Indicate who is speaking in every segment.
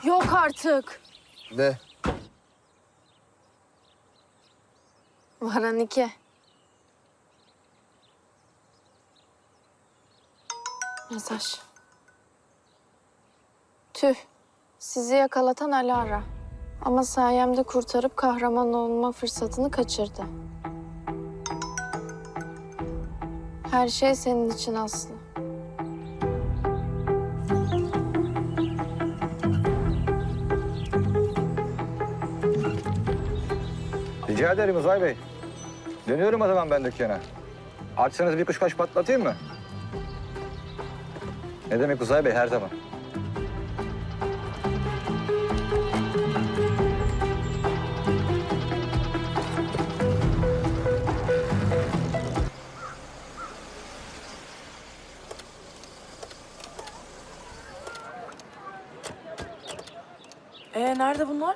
Speaker 1: Yok artık.
Speaker 2: Ne?
Speaker 1: Varan 2. Mesaj. Tüh. Sizi yakalatan Alara. Ama sayemde kurtarıp kahraman olma fırsatını kaçırdı. Her şey senin için Aslı.
Speaker 2: Rica ederim Uzay Bey. Dönüyorum o zaman ben dükkana. Açsanız bir kuşkaş patlatayım mı? Ne demek Uzay Bey, her zaman.
Speaker 3: Nerede bunlar?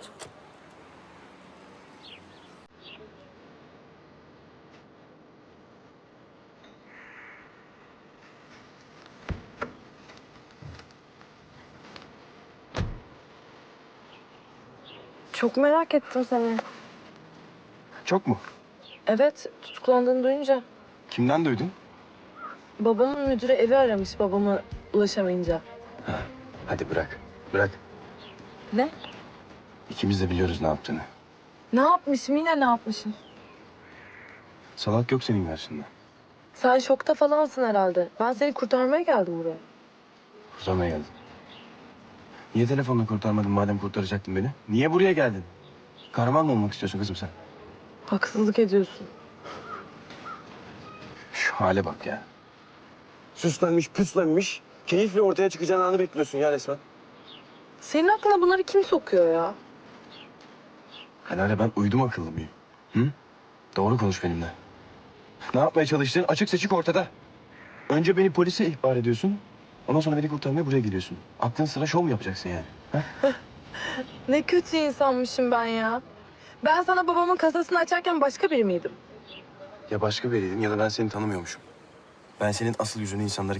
Speaker 3: Çok merak ettim seni.
Speaker 4: Çok mu?
Speaker 3: Evet, tutuklandığını duyunca.
Speaker 4: Kimden duydun?
Speaker 3: Babamın müdürü evi aramış babama ulaşamayınca.
Speaker 4: Hadi bırak. Bırak.
Speaker 3: Ne?
Speaker 4: İkimiz de biliyoruz ne yaptığını.
Speaker 3: Ne yapmışım? Yine ne yapmışım?
Speaker 4: Salak yok senin karşında.
Speaker 3: Sen şokta falansın herhalde. Ben seni kurtarmaya geldim buraya.
Speaker 4: Kurtarmaya geldin. Niye telefonla kurtarmadın madem kurtaracaktın beni? Niye buraya geldin? Kahraman mı olmak istiyorsun kızım sen?
Speaker 3: Haksızlık ediyorsun.
Speaker 4: Şu hale bak ya. Süslenmiş, püslenmiş. Keyifle ortaya çıkacağın anı bekliyorsun ya resmen.
Speaker 3: Senin aklına bunları kim sokuyor ya?
Speaker 4: Helal ben uydum akıllı mıyım? Hı? Doğru konuş benimle. Ne yapmaya çalıştığın açık seçik ortada. Önce beni polise ihbar ediyorsun. Ondan sonra beni kurtarmaya buraya geliyorsun. Aklın sıra şov mu yapacaksın yani? Ha?
Speaker 3: Ne kötü insanmışım ben ya. Ben sana babamın kasasını açarken başka biri miydim?
Speaker 4: Ya başka biriydin ya da ben seni tanımıyormuşum. Ben senin asıl yüzünü insanlara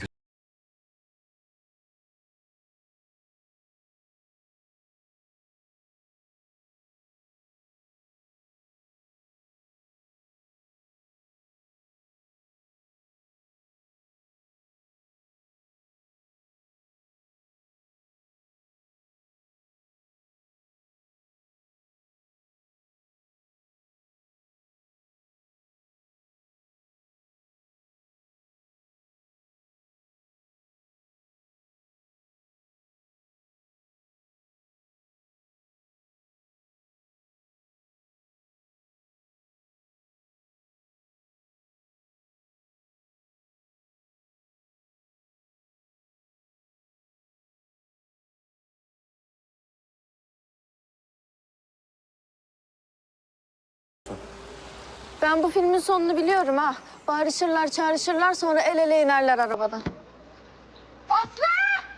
Speaker 1: Ben bu filmin sonunu biliyorum ha. Bağırışırlar, çağrışırlar, sonra el ele inerler arabadan.
Speaker 5: Aslı!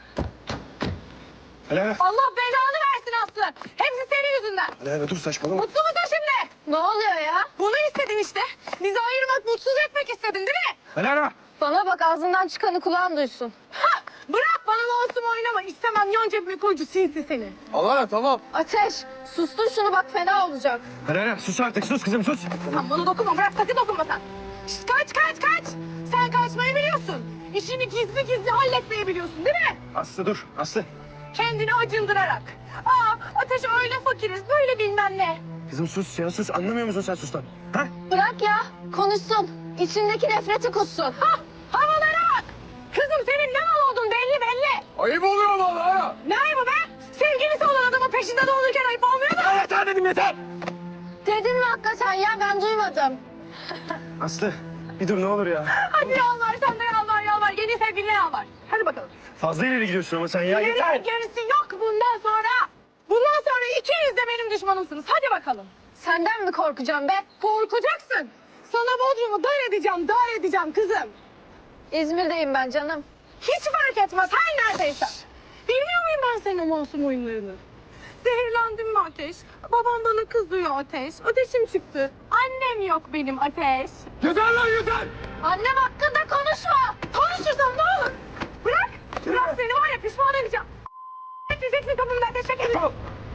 Speaker 4: Helal.
Speaker 5: Allah belanı versin Aslı. Hepsi senin yüzünden.
Speaker 4: Helal dur saçmalama.
Speaker 5: Mutlu musun şimdi?
Speaker 1: Ne oluyor ya?
Speaker 5: Bunu istedin işte. Bizi ayırmak, mutsuz etmek istedin değil mi?
Speaker 4: Helal.
Speaker 1: Bana bak, ağzından çıkanı kulağın duysun.
Speaker 5: Ha! Bırak bana masum oynama. İstemem yan cebime koycu sinsi seni.
Speaker 4: Allah tamam.
Speaker 1: Ateş, sustur şunu bak, fena olacak.
Speaker 4: Helal sus artık sus kızım sus.
Speaker 5: Sen bana dokunma. Bırak sakın dokunma sen. Şişt, kaç. Sen kaçmayı biliyorsun. İşini gizli gizli halletmeyi biliyorsun değil mi?
Speaker 4: Aslı dur Aslı.
Speaker 5: Kendini acındırarak. Ateş öyle fakiriz böyle bilmem ne.
Speaker 4: Kızım sus ya sus anlamıyor musun sen sus lan? Ha?
Speaker 1: Bırak ya, konuşsun. İçindeki nefreti kussun.
Speaker 5: Havalara bak. Kızım senin ne mal oldun belli.
Speaker 4: Ayıp oluyor vallahi.
Speaker 5: Ne ayıbı be? Sevgilisi olan adamın peşinde dolanırken ayıp olmuyor mu?
Speaker 4: Yeter dedim yeter.
Speaker 1: Dedin mi hakikaten ya? Ben duymadım.
Speaker 4: Aslı bir dur ne olur ya.
Speaker 5: Hadi yalvar sen de yalvar. Yeni sevgiline yalvar. Hadi bakalım.
Speaker 4: Fazla ileri gidiyorsun ama sen ya yeter.
Speaker 5: Gerisi yok bundan sonra. Bundan sonra ikiniz de benim düşmanımsınız. Hadi bakalım.
Speaker 1: Senden mi korkacağım be?
Speaker 5: Korkacaksın. Sana Bodrum'u dar edeceğim kızım.
Speaker 1: İzmir'deyim ben canım.
Speaker 5: Hiç fark etmez her neredeyse. Bilmiyor muyum ben senin o masum oyunlarını? Zehirlendim mi Ateş? Babam bana kızıyor Ateş. Ateşim çıktı. Annem yok benim Ateş.
Speaker 4: Yeter lan yeter.
Speaker 5: Annem hakkında konuşma. Konuşursam ne olur? Bırak. Bırak seni var ya pişman edeceğim. Geçeceksin kapımdan teşekkür ederim.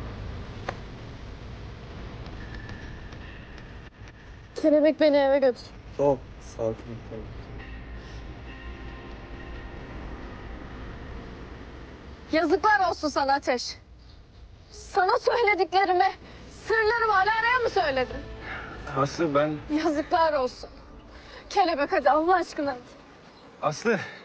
Speaker 1: Kelebek beni eve götür.
Speaker 6: Tamam. Sakin ol. Tamam.
Speaker 1: Yazıklar olsun sana Ateş. Sana söylediklerimi, sırlarımı Alara'ya mı söyledin?
Speaker 4: Aslı ben...
Speaker 1: Yazıklar olsun. Kelebek hadi Allah aşkına.
Speaker 4: Aslı